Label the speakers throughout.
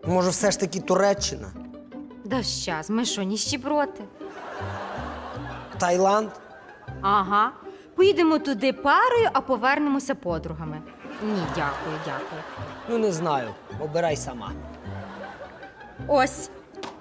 Speaker 1: Може, все ж таки Туреччина?
Speaker 2: Да щас, ми що, ніщеброти?
Speaker 1: Таїланд?
Speaker 2: Ага. Поїдемо туди парою, а повернемося подругами. Ні, дякую, дякую.
Speaker 1: Ну, не знаю. Обирай сама.
Speaker 2: Ось.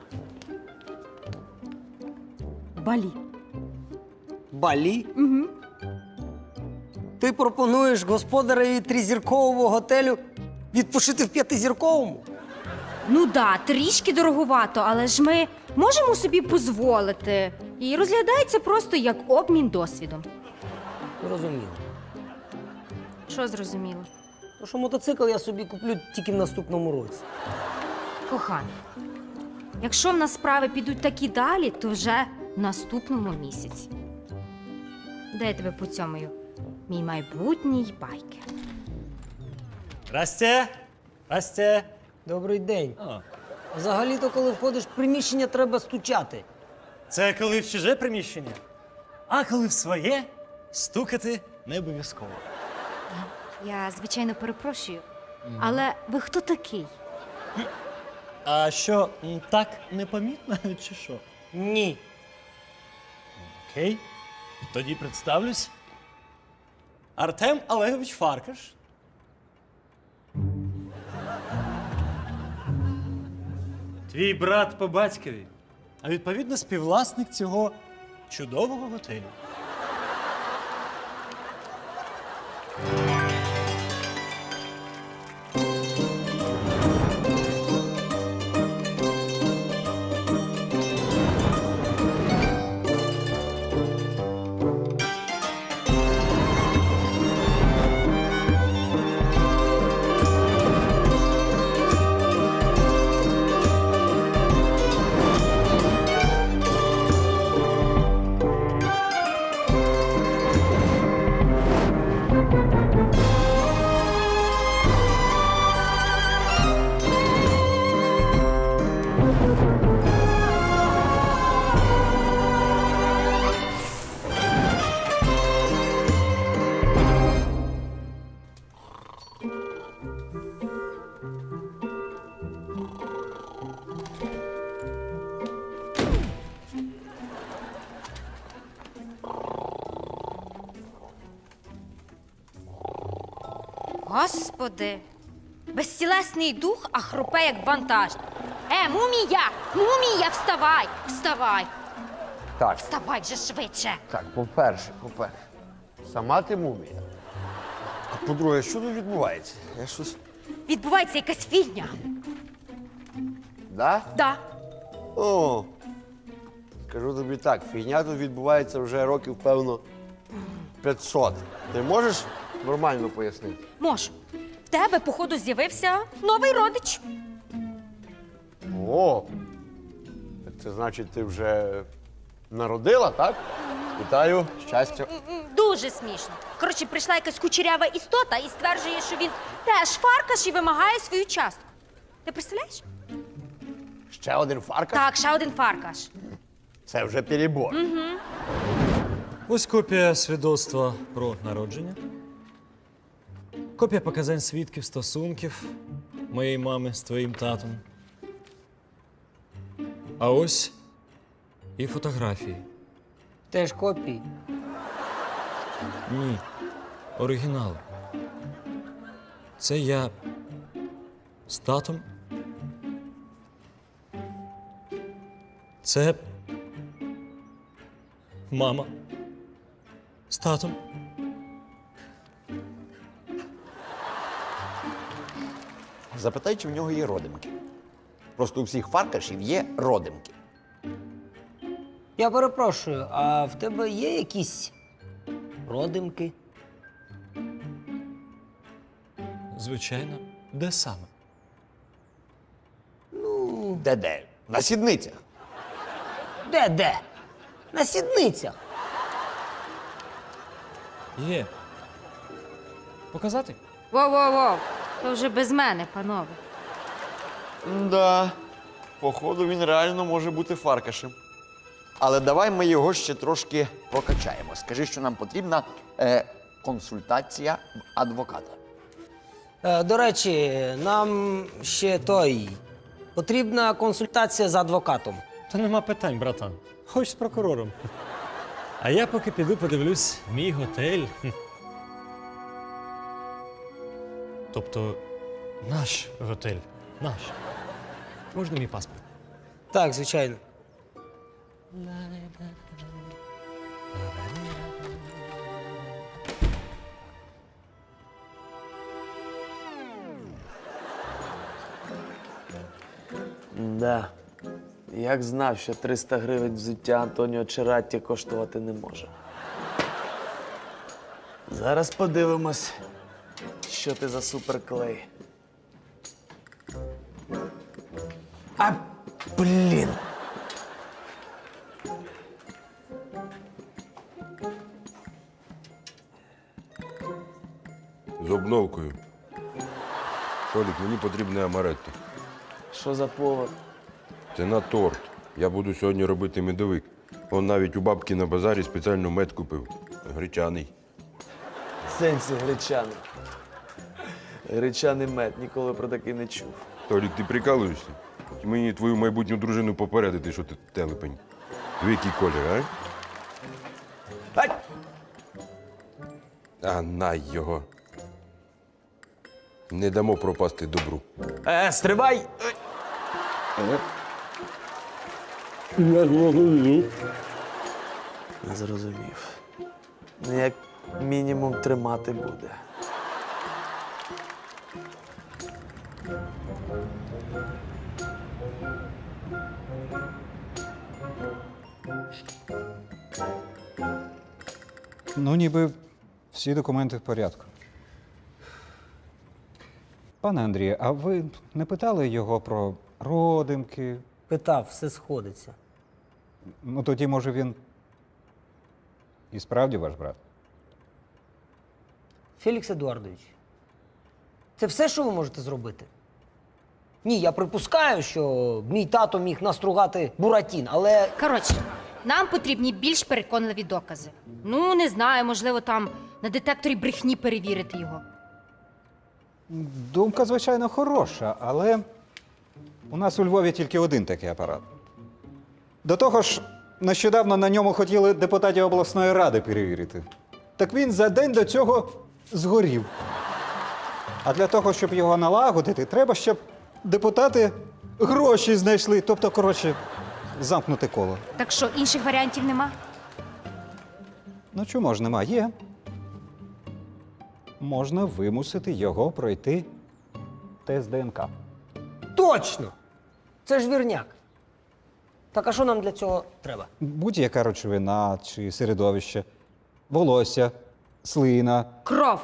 Speaker 2: Балі.
Speaker 1: Балі?
Speaker 2: Угу.
Speaker 1: Ти пропонуєш господареві тризіркового готелю відпочити в п'ятизірковому?
Speaker 2: Ну да, трішки дороговато, але ж ми можемо собі дозволити. І розглядається просто як обмін досвідом.
Speaker 1: Зрозуміло.
Speaker 2: Що зрозуміло?
Speaker 1: То що мотоцикл я собі куплю тільки в наступному році.
Speaker 2: Коханий, якщо в нас справи підуть так і далі, то вже в наступному місяці. Де я тебе поцьомаю? Мій майбутній байкер.
Speaker 3: Расте! Расте!
Speaker 1: Добрий день.
Speaker 3: О,
Speaker 1: Взагалі-то, коли входиш в приміщення, треба стучати.
Speaker 3: це коли в чуже приміщення. А коли в своє, стукати не обов'язково.
Speaker 2: Я, звичайно, перепрошую, але ви хто такий?
Speaker 3: А що, так непомітно, чи що?
Speaker 1: Ні.
Speaker 3: Окей. Тоді представлюсь. Артем Олегович Фаркаш. Твій брат по батькові, а відповідно співвласник цього чудового готелю.
Speaker 2: Господи, безтілесний дух, а хрупе як вантаж. Мумія! Мумія, вставай! Вставай!
Speaker 4: Так,
Speaker 2: Вставай вже швидше!
Speaker 4: так, по-перше, сама ти мумія. А по-друге, що тут відбувається? Я щось.
Speaker 2: Відбувається якась фігня.
Speaker 4: Да?
Speaker 2: Да.
Speaker 4: О, скажу тобі так, фігня тут відбувається вже років, певно, 500. Ти можеш нормально пояснити?
Speaker 2: Можу. В тебе, походу, з'явився новий родич.
Speaker 4: О, так це значить, ти вже народила, так? Вітаю, щастя.
Speaker 2: Дуже смішно. Коротше, прийшла якась кучерява істота і стверджує, що він теж фаркаш і вимагає свою частку. Ти представляєш?
Speaker 4: Ще один фаркаш?
Speaker 2: Так, ще один фаркаш.
Speaker 4: Це вже перебор.
Speaker 3: Ось копія свідоцтва про народження. Копія показань свідків стосунків моєї мами з твоїм татом. А ось і фотографії.
Speaker 1: Теж копії.
Speaker 3: Ні, оригінал. Це я з татом. Це мама з татом.
Speaker 5: Запитай, чи в нього є родимки. Просто у всіх фаркашів є родимки.
Speaker 1: Я перепрошую, а в тебе є якісь родимки?
Speaker 3: Звичайно, де саме?
Speaker 5: Де-де? На сідницях.
Speaker 1: Де? На сідницях.
Speaker 3: Є. Показати?
Speaker 2: Воу-воу-воу, то вже без мене, панове.
Speaker 5: Да, походу він реально може бути фаркашем. Але давай ми його ще трошки прокачаємо. Скажи, що нам потрібна консультація в адвоката.
Speaker 1: До речі, нам ще той Потрібна консультація з адвокатом.
Speaker 3: Та нема питань, братан. Хоч з прокурором. А я поки піду подивлюсь мій готель. Тобто наш готель. Наш. Можна мій паспорт?
Speaker 1: Так, звичайно.
Speaker 6: Да. Як знав, що 300 гривень взуття Антоніо Чератті коштувати не може. Зараз подивимось, що ти за суперклей. А, блін!
Speaker 7: З обновкою. Толік, мені потрібне амаретто.
Speaker 6: Що за повод?
Speaker 7: Це на торт. Я буду сьогодні робити медовик. Он навіть у бабки на базарі спеціально мед купив. Гречаний.
Speaker 6: В сенсі гречаний. Гречаний мед, ніколи про такий не чув.
Speaker 7: Толік, ти прикалуєшся? Чи мені твою майбутню дружину попередити, що ти телепень? В який колір, а?
Speaker 6: Ай!
Speaker 7: А на його. Не дамо пропасти добру.
Speaker 6: Стривай! Не зрозумів. Ну, як мінімум тримати буде.
Speaker 8: Ну, ніби всі документи в порядку. Пане Андрію, а ви не питали його про родимки?
Speaker 1: Питав, все сходиться.
Speaker 8: Ну, тоді, може, він і справді ваш брат?
Speaker 1: Фелікс Едуардович, це все, що ви можете зробити? Ні, я припускаю, що мій тато міг настругати Буратін, але
Speaker 2: Коротше, нам потрібні більш переконливі докази. Ну, не знаю, можливо, там на детекторі брехні перевірити його.
Speaker 8: Думка, звичайно, хороша, але у нас у Львові тільки один такий апарат. До того ж, нещодавно на ньому хотіли депутатів обласної ради перевірити. Так він за день до цього згорів. А для того, щоб його налагодити, треба, щоб депутати гроші знайшли. Тобто, коротше, замкнути коло.
Speaker 2: Так що, інших варіантів нема?
Speaker 8: Ну чому ж нема? Є. Можна вимусити його пройти тест ДНК.
Speaker 1: точно! Це ж вірняк. Так а що нам для цього треба?
Speaker 8: Будь-яка речовина чи середовище, волосся, слина.
Speaker 2: Кров!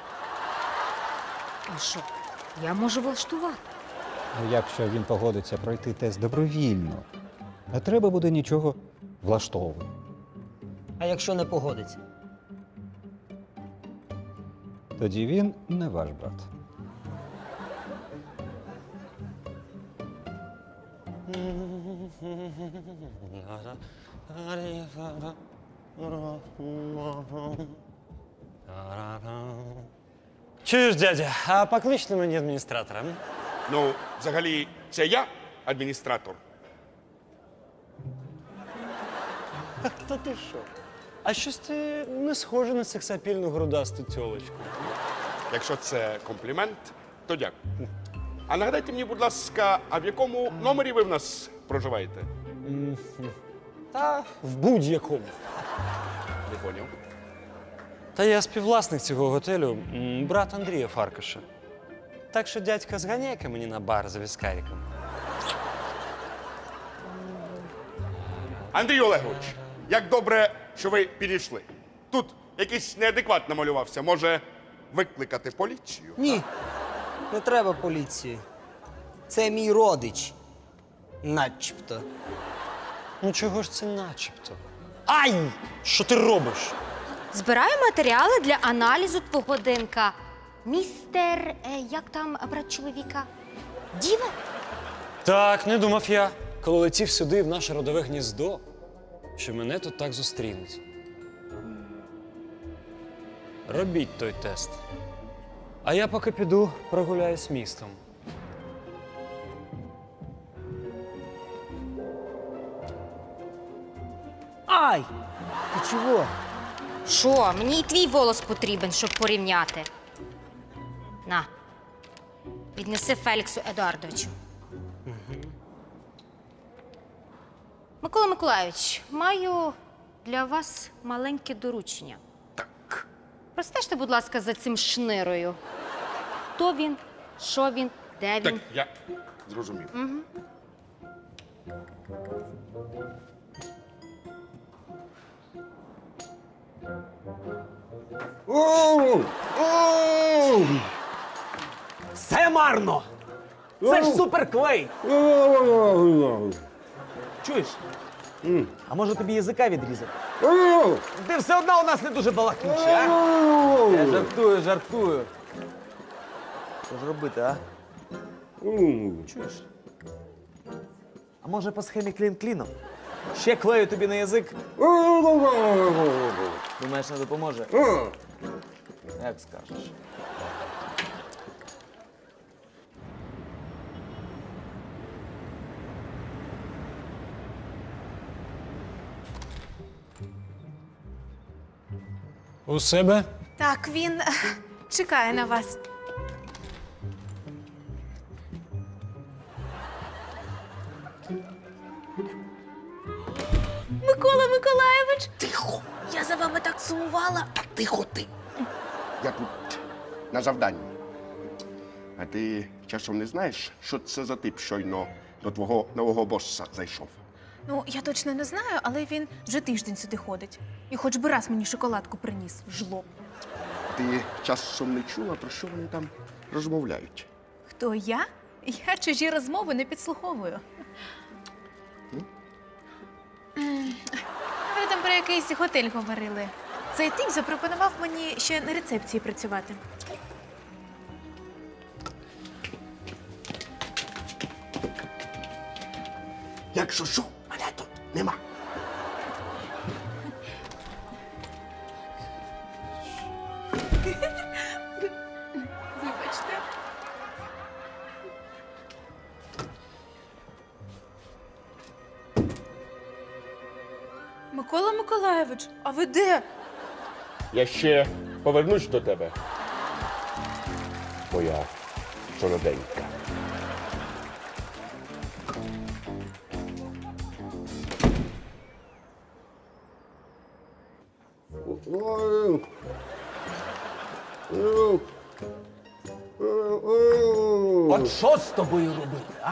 Speaker 2: А що? Я можу влаштувати.
Speaker 8: Ну, якщо він погодиться пройти тест добровільно, не треба буде нічого влаштовувати.
Speaker 1: А якщо не погодиться?
Speaker 8: Тоді він не ваш брат.
Speaker 3: Чуєш, дядя, а покличте мені адміністратора. м?
Speaker 9: Ну, взагалі, це я адміністратор.
Speaker 3: Та ти що? А щось ти не схожий на сексапільну грудасту тьолочку.
Speaker 9: Якщо це комплімент, то дякую. А нагадайте мені, будь ласка, а в якому номері ви в нас проживаєте?
Speaker 3: Та в будь-якому.
Speaker 9: Не поняв.
Speaker 3: Та я співвласник цього готелю, брат Андрія Фаркаша. Так що, дядька, зганяй-ка мені на бар за віскариком.
Speaker 9: Андрій Олегович, як добре, що ви підійшли. Тут якийсь неадекват намалювався. Може, викликати поліцію?
Speaker 1: Ні, не треба поліції. Це мій родич. Начебто.
Speaker 3: Ну чого ж це начебто? Ай! Що ти робиш?
Speaker 2: Збираю матеріали для аналізу твого ДНК. Містер, як там брат чоловіка? Діва?
Speaker 3: Так, не думав я, коли летів сюди в наше родове гніздо, що мене тут так зустрінуть. Робіть той тест. А я поки піду прогуляюсь містом.
Speaker 1: Ай! Ти чого?
Speaker 2: Що, мені і твій волос потрібен, щоб порівняти. На, віднеси Феліксу Едуардовичу. Микола Миколайович, маю для вас маленьке доручення.
Speaker 9: Так.
Speaker 2: Простежте, будь ласка, за цим шнирою. Хто він, що він, де
Speaker 9: Так,
Speaker 2: він?
Speaker 9: я зрозумів.
Speaker 6: Все марно! Це ж суперклей! Чуєш? А може тобі язика відрізати? Ти все одно у нас не дуже балакучий, а? Я жартую. Що ж робити, а? Чуєш? А може по схемі клін-кліном? Ще клею тобі на язик. Думаєш, не допоможе? Як скажеш.
Speaker 10: У себе?
Speaker 11: Так, він чекає на вас. Микола Миколайович!
Speaker 9: Тихо!
Speaker 11: Я за вами так сумувала.
Speaker 9: Та тихо ти! Я тут на завданні. А ти часом не знаєш, що це за тип щойно до твого нового боса зайшов?
Speaker 11: Ну, я точно не знаю, але він вже тиждень сюди ходить. І хоч би раз мені шоколадку приніс, жлоб.
Speaker 9: Ти часом не чула, про що вони там розмовляють?
Speaker 11: Хто я? Я чужі розмови не підслуховую. Ви там про якийсь готель говорили. Цей тип запропонував мені ще на рецепції працювати.
Speaker 9: Якщо що, мене тут нема.
Speaker 11: Вибачте. Микола Миколайович, а ви де?
Speaker 9: Я ще повернусь до тебе. Моя солоденька.
Speaker 6: От що з тобою робити, а?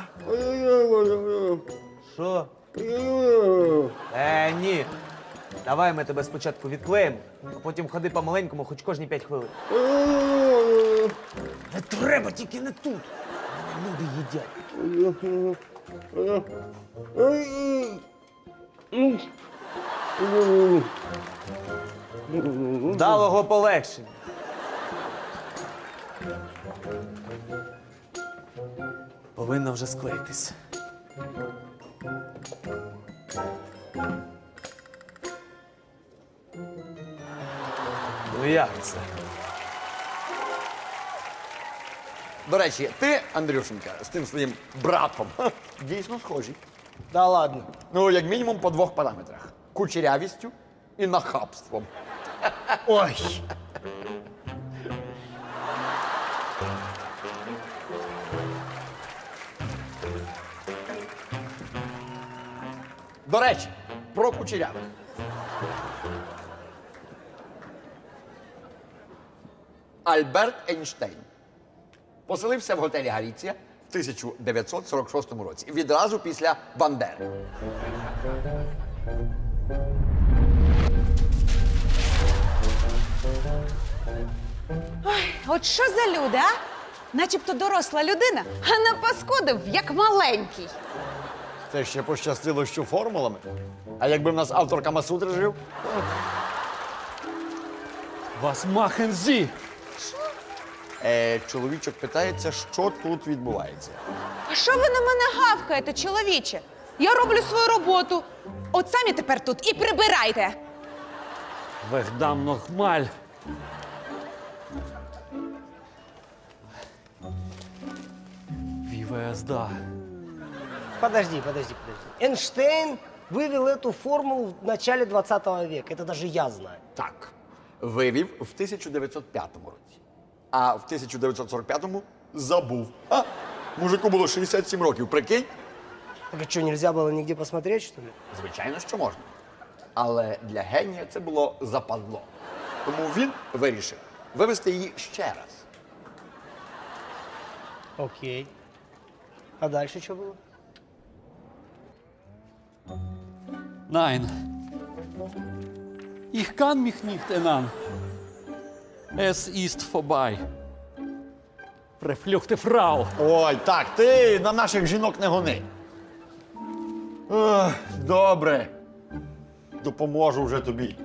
Speaker 6: Що? Ні. Давай ми тебе спочатку відклеїмо, а потім ходи по-маленькому хоч кожні 5 хвилин. Не треба, тільки не тут. Люди їдять. Вдалого полегшення. Повинно вже склеїтись. Ну як це?
Speaker 5: До речі, ти, Андрюшенька, з тим своїм братом дійсно схожі.
Speaker 1: Да ладно.
Speaker 5: Ну, як мінімум по 2 параметрах: кучерявістю і нахабством.
Speaker 1: Ой.
Speaker 5: До речі, про кучерявих. Альберт Ейнштейн поселився в готелі Галіція в 1946 році, відразу після Бандери.
Speaker 12: От що за люди, а? Начебто доросла людина, а напаскудив, як маленький.
Speaker 5: Це ще пощастило, що формулами. А якби в нас автор Камасутри жив?
Speaker 6: Вас махензі!
Speaker 5: Чоловічок питається, що тут відбувається.
Speaker 12: А що ви на мене гавкаєте, чоловіче? Я роблю свою роботу. От самі тепер тут і прибирайте.
Speaker 3: Вегдам нохмаль.
Speaker 6: ВСД.
Speaker 1: Подожди. Эйнштейн вывел эту формулу в начале 20 века. Это даже я знаю.
Speaker 5: Так, вивів в 1905 році. А в 1945-му забув. А, мужику було 67 років, прикинь?
Speaker 1: Так а что, нельзя было нигде посмотреть, что ли?
Speaker 5: Звичайно, що можна. Але для генія це було западло. Тому він вирішив вивести її ще раз.
Speaker 1: Окей. А дальше что было?
Speaker 10: Nein. Ich kann mich nicht erinnern. Es ist vorbei. Verfluchte Frau.
Speaker 5: Ой, так, ти на наших жінок не гони. Ох, добре. Допоможу вже тобі.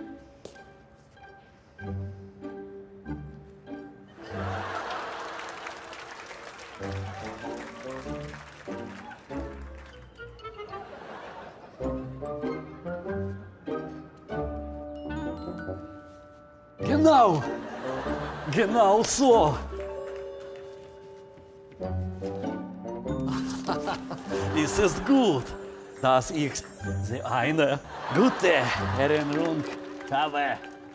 Speaker 10: Genau. Genau so. Es ist gut, dass ich so eine gute Erinnerung habe.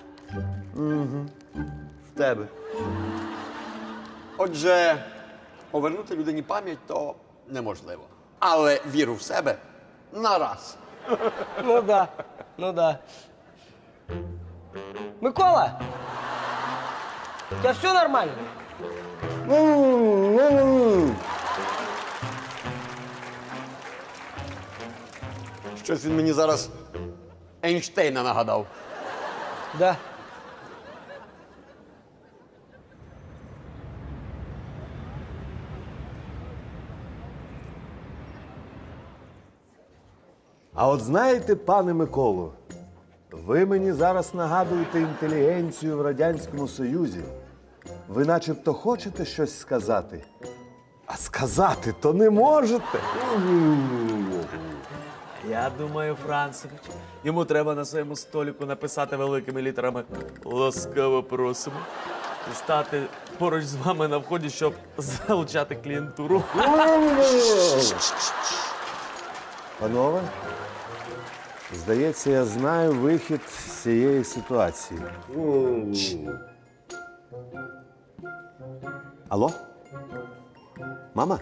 Speaker 5: В тебе. Отже, повернути людині пам'ять то неможливо. Але віру в себе нараз.
Speaker 1: Ну да, ну да. Микола! У тебя все нормально?
Speaker 5: Щось він мені зараз Ейнштейна нагадав.
Speaker 1: Да.
Speaker 13: А от знаєте, пане Миколо, ви мені зараз нагадуєте інтелігенцію в Радянському Союзі. Ви начебто хочете щось сказати, а сказати то не можете.
Speaker 6: Я думаю, Францевич, йому треба на своєму столику написати великими літерами «Ласкаво просимо» і стати поруч з вами на вході, щоб залучати клієнтуру.
Speaker 13: Панове, здається, я знаю вихід з цієї ситуації. Алло? Мама?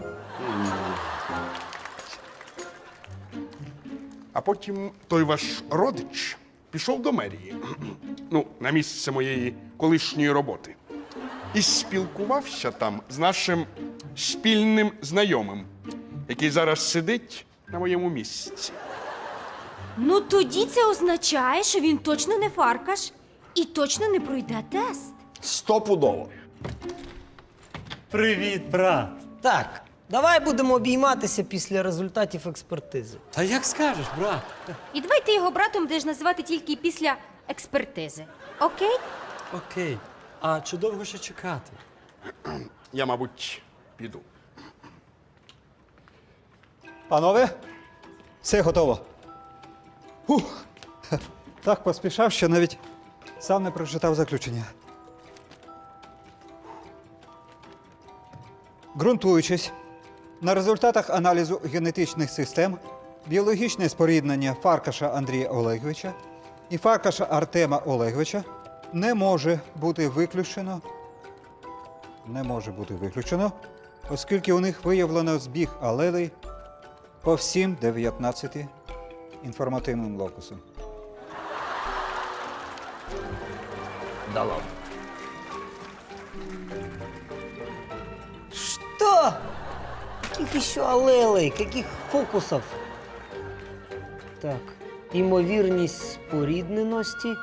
Speaker 9: А потім той ваш родич пішов до мерії, ну, на місце моєї колишньої роботи. І спілкувався там з нашим спільним знайомим, який зараз сидить на моєму місці.
Speaker 2: Ну тоді це означає, що він точно не Фаркаш і точно не пройде тест.
Speaker 5: Стопудово.
Speaker 3: Привіт, брат.
Speaker 1: Так, давай будемо обійматися після результатів експертизи.
Speaker 3: Та як скажеш, брат?
Speaker 2: І давай ти його братом будеш називати тільки після експертизи. Окей?
Speaker 3: Окей. А чи довго ще чекати?
Speaker 9: Я, мабуть, піду.
Speaker 8: Панове, все готово. Фух. Так поспішав, що навіть сам не прочитав заключення. Ґрунтуючись на результатах аналізу генетичних систем, біологічне споріднення Фаркаша Андрія Олеговича і Фаркаша Артема Олеговича не може бути виключено, оскільки у них виявлено збіг алелей по всім 19 інформативним локусам.
Speaker 5: Да ладно.
Speaker 1: Что? Каких еще алелей? Каких фокусов? Так, ймовірність спорідненості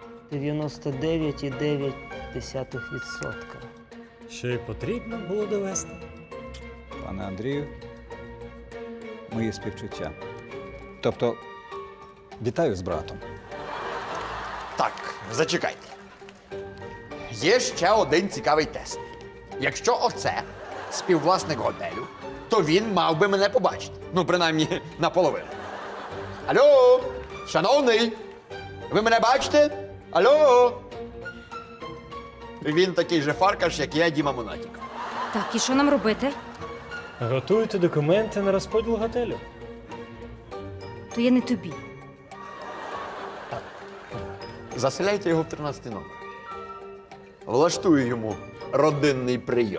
Speaker 1: 99,9%.
Speaker 3: Що й потрібно було довести?
Speaker 8: Пане Андрію, мої співчуття. Тобто, вітаю з братом.
Speaker 5: Так, зачекайте. Є ще один цікавий тест. Якщо оце співвласник готелю, то він мав би мене побачити. Ну, принаймні, наполовину. Алло, шановний, ви мене бачите? Алло? Він такий же Фаркаш, як я, Діма Монатік.
Speaker 2: Так, і що нам робити?
Speaker 3: Готуйте документи на розподіл готелю.
Speaker 2: То я не тобі.
Speaker 5: Заселяйте його в 13-й номер. Влаштую йому родинний прийом.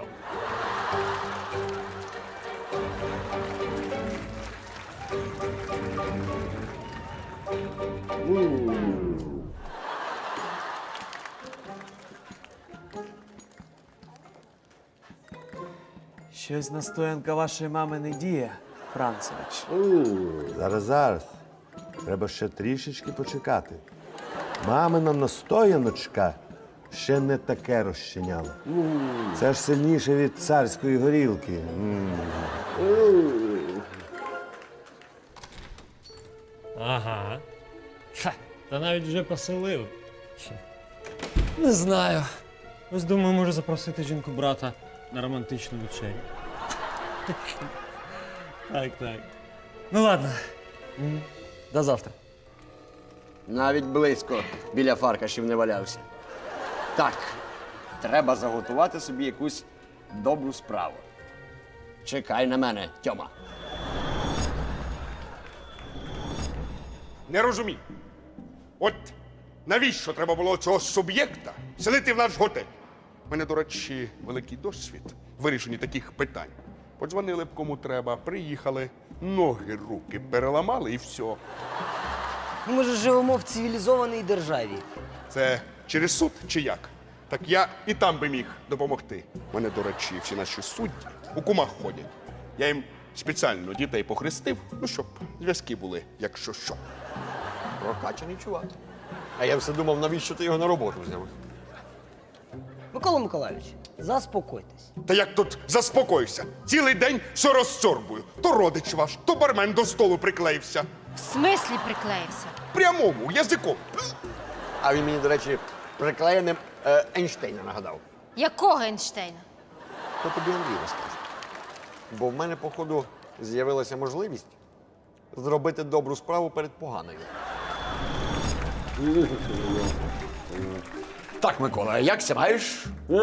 Speaker 6: Щось настоянка вашої мами не діє, Францевич.
Speaker 13: Зараз. Треба ще трішечки почекати. Мамина настояночка ще не таке розчиняла. Це ж сильніше від царської горілки.
Speaker 3: Ага. Та навіть вже поселив. Не знаю. Ось думаю, може запросити жінку брата на романтичну вечерю. Так. Ну ладно. До завтра.
Speaker 5: Навіть близько біля Фаркашів не валявся. Так, треба заготувати собі якусь добру справу. Чекай на мене, Тьома.
Speaker 9: Не розумію. От навіщо треба було цього суб'єкта селити в наш готель? У мене, до речі, великий досвід в вирішенні таких питань. Подзвонили б кому треба, приїхали, ноги, руки переламали і все.
Speaker 1: Ми ж живемо в цивілізованій державі.
Speaker 9: Це через суд чи як? Так я і там би міг допомогти. У мене, до речі, всі наші судді у кумах ходять. Я їм спеціально дітей похрестив, ну, щоб зв'язки були, якщо що.
Speaker 5: Прокачаний чувак. А я все думав, навіщо ти його на роботу взяв?
Speaker 1: Микола Миколайович, заспокойтесь.
Speaker 9: Та як тут заспокойся? Цілий день все розсорбую. То родич ваш, то бармен до столу приклеївся.
Speaker 2: В смислі приклеївся?
Speaker 9: Прямому, язиком.
Speaker 5: А він мені, до речі, приклеєним Ейнштейна нагадав.
Speaker 2: Якого Ейнштейна?
Speaker 5: То тобі Андрій розкаже. Бо в мене, походу, з'явилася можливість зробити добру справу перед поганою. Так, Микола, як ся маєш?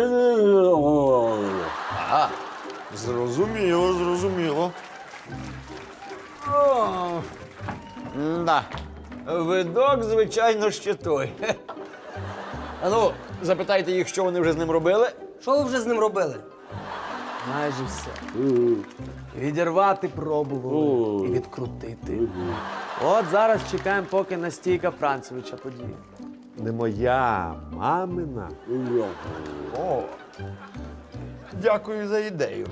Speaker 5: Ага, зрозуміло. Да. Видок, звичайно, ще той. А ну, запитайте їх, що вони вже з ним робили.
Speaker 1: Що ви вже з ним робили?
Speaker 6: Майже все. Відірвати пробували і відкрутити. От зараз чекаємо, поки настійка Францевича подіє.
Speaker 13: Не моя, мамина.
Speaker 5: О, дякую за ідею.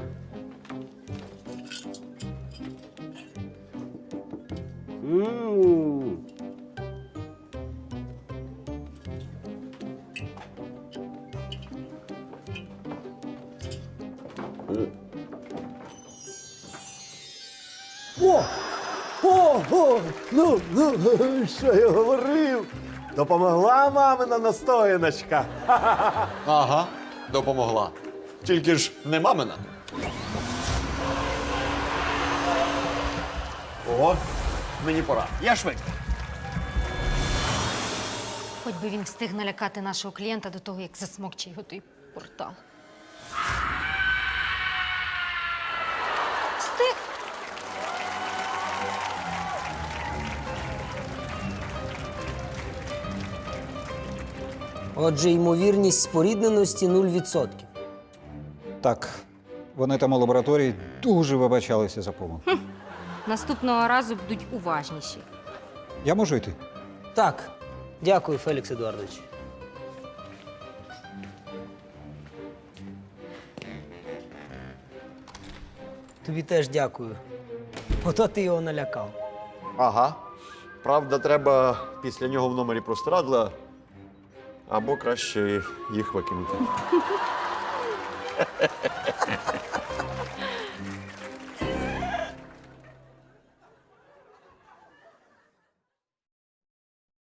Speaker 13: Ну, що я говорив? Допомогла мамина настояночка.
Speaker 5: Ага, допомогла. Тільки ж не мамина. О, мені пора. Я швидко.
Speaker 2: Хоч би він встиг налякати нашого клієнта до того, як засмокче його той портал. Встиг.
Speaker 1: Отже, ймовірність спорідненості 0%.
Speaker 8: Так, вони там у лабораторії дуже вибачалися за помилку.
Speaker 2: Наступного разу будуть уважніші.
Speaker 8: Я можу йти?
Speaker 1: Так, дякую, Фелікс Едуардович. Тобі теж дякую. Ото ти його налякав.
Speaker 5: Ага. Правда, треба після нього в номері простирадла або краще їх викинути.